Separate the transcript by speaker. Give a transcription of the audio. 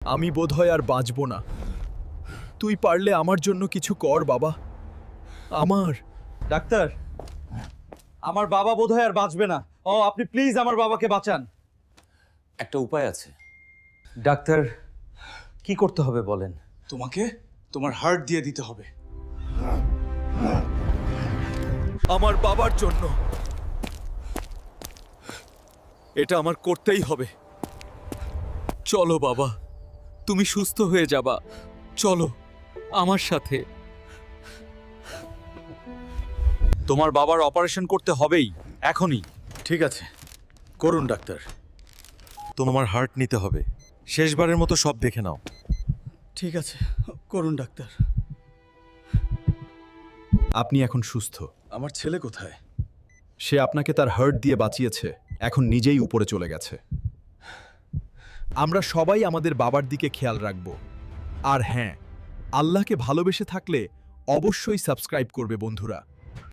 Speaker 1: আমি বোধহয় আর বাঁচব না। তুই পারলে আমার জন্য কিছু কর বাবা। আমার
Speaker 2: ডাক্তার, আমার বাবা বোধহয় আর বাঁচবে না। আপনি প্লিজ আমার বাবাকে বাঁচান।
Speaker 3: একটা উপায় আছে।
Speaker 2: ডাক্তার, কি করতে হবে বলেন।
Speaker 4: তোমাকে তোমার হার্ট দিয়ে দিতে হবে।
Speaker 1: আমার বাবার জন্য এটা আমার করতেই হবে। চলো বাবা, তুমি সুস্থ হয়ে যাবা। চলো আমার সাথে।
Speaker 2: তোমার বাবার অপারেশন করতে হবেই, এখনই।
Speaker 5: ঠিক আছে, করুন ডাক্তার। তোমার হার্ট নিতে হবে। শেষবারের মতো সব দেখে নাও।
Speaker 4: ঠিক আছে, করুন ডাক্তার।
Speaker 1: আপনি এখন সুস্থ।
Speaker 4: আমার ছেলে কোথায়?
Speaker 1: সে আপনাকে তার হার্ট দিয়ে বাঁচিয়েছে, এখন নিজেই উপরে চলে গেছে। আমরা সবাই আমাদের বাবার দিকে খেয়াল রাখব। আর হ্যাঁ, আল্লাহকে ভালোবেসে থাকলে অবশ্যই সাবস্ক্রাইব করবে বন্ধুরা।